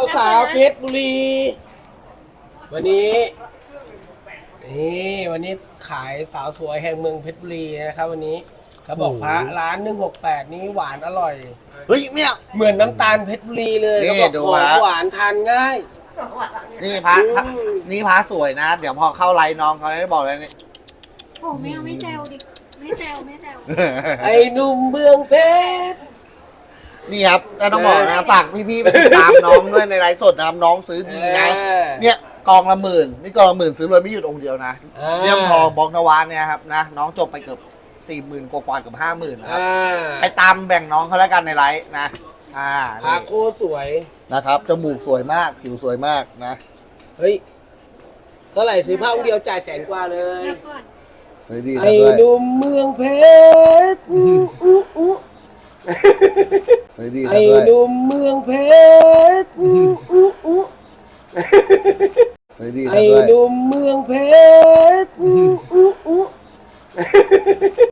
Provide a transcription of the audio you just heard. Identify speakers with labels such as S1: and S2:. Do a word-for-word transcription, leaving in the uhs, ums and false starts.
S1: สาวเพชรบุรี วันนี้นี่วันนี้ขายสาวสวยแห่งเมืองเพชรบุรีนะครับวันนี้เขาบอกพระร้านหนึ่งหกแปดนี้หวานอร่อย
S2: เฮ้ยเนี่ย
S1: เหมือนน้ำตาลเพชรบุรีเลย
S2: นี่
S1: เขาบอก
S2: ดู
S1: หอม
S2: ฮะ
S1: หวานทานง่าย
S2: นี่พระ
S1: อืม
S2: พระนี่พระสวยนะ เดี๋ยวพอเข้าไลน์น้องเขาได้บอกเลยนี่
S3: โอ้ไม่เอาไม่แซวดิไม่แซวไม่แซว
S1: ไอ้หนุ่มเมืองเพชร
S2: นี่ครับก็ต้องบอกนะฝากพี่ๆไปติดตามน้องด้วยในไลฟ์สดนะครับน้องซื้อดีนะ
S1: เออ
S2: เนี่ยกองละหมื่นนี่กองละหมื่นซื้อเลยไม่หยุดองค์เดียวนะ
S1: อ่า
S2: เรื่องทองบอกนวานเนี่ยครับนะน้องจบไปเกือบสี่หมื่นกว่าๆเกือบห้าหมื่นนะครับ
S1: อ่า
S2: ไปตามแบ่งน้องเขาแล้วกันในไลฟ์นะอ่า
S1: พระ
S2: นี่
S1: โคตรสวย
S2: นะครับจมูกสวยมากผิวสวยมากนะ
S1: เฮ้ยเท่าไหร่ซื้อผ้าองค์เดียวจ่ายแสนกว่าเลย
S3: เดี๋ยวก่อน
S2: สวยดี
S1: ไอ้
S2: ด้วย
S1: หนุ่มเมืองเพชรอู้อู้อู้
S2: สวยดี
S1: ไอ้
S2: ด้วย
S1: หนุ่มเมืองเพชรอู้อู้อู้
S2: สวยดี
S1: ไอ้
S2: ด้วย
S1: หนุ่มเมืองเพชรอู้